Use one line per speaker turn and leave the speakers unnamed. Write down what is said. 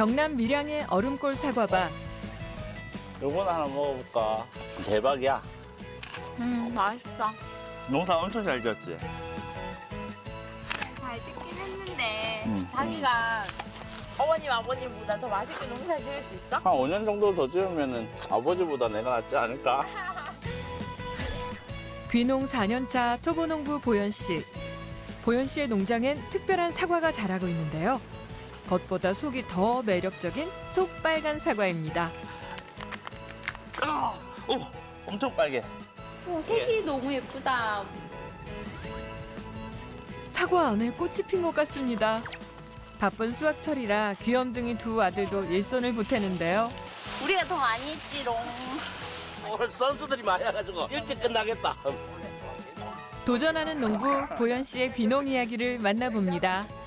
경남 밀양의 얼음골 사과밭.
요거는 하나 먹어볼까? 대박이야.
맛있다.
농사 엄청 잘 지었지?
잘 찍긴 했는데
음.
자기가 어머님 아버님보다 더 맛있게 농사 지을 수 있어?
한 5년 정도 더 지으면은 아버지보다 내가 낫지 않을까?
귀농 4년차 초보농부 보현 씨. 보현 씨의 농장엔 특별한 사과가 자라고 있는데요. 겉보다 속이 더 매력적인 속빨간 사과입니다.
오, 엄청 빨개.
색이 너무 예쁘다.
사과 안에 꽃이 핀 것 같습니다. 바쁜 수확철이라 귀염둥이 두 아들도 일손을 보태는데요.
우리가 더 많이 했지롱.
오늘 선수들이 많이 와가지고 일찍 끝나겠다.
도전하는 농부 보현 씨의 귀농 이야기를 만나봅니다.